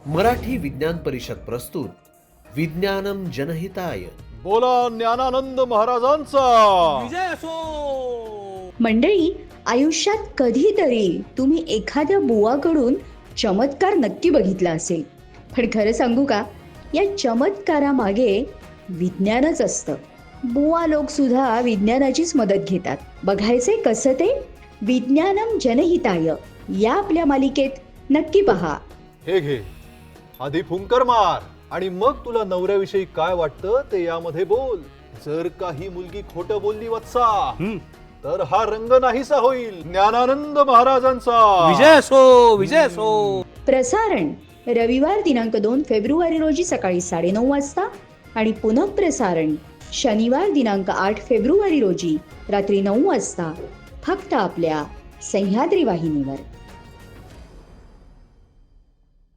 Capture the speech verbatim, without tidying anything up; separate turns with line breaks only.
मराठी विज्ञान परिषद प्रस्तुत विज्ञानम जनहिताय.
बोला ज्ञानानंद महाराजांचा
विजय असो.
मंडळी, आयुष्यात कधीतरी तुम्ही एखाद्या बुवाकडून चमत्कार नक्की बघितला असेल. पण खरं सांगू का, या चमत्कारामागे विज्ञानच असतं. बुवा लोक सुद्धा विज्ञानाचीच मदत घेतात. बघायचे कसं ते? विज्ञानम जनहिताय या आपल्या मालिकेत नक्की पहा.
हे घे, आधी फुंकर मार आणि मग तुला नवऱ्याविषयी काय वाटतं ते यामध्ये बोल. जर काही मुलगी खोटं बोलली वत्सा, तर हा रंग नाहीसा होईल. ज्ञानानंद महाराजांचा
विजय असो. विजय असो.
प्रसारण रविवार दिनांक दोन फेब्रुवारी रोजी सकाळी साडेनऊ वाजता आणि पुनःप्रसारण शनिवार दिनांक आठ फेब्रुवारी रोजी रात्री नऊ वाजता फक्त आपल्या सह्याद्री वाहिनीवर.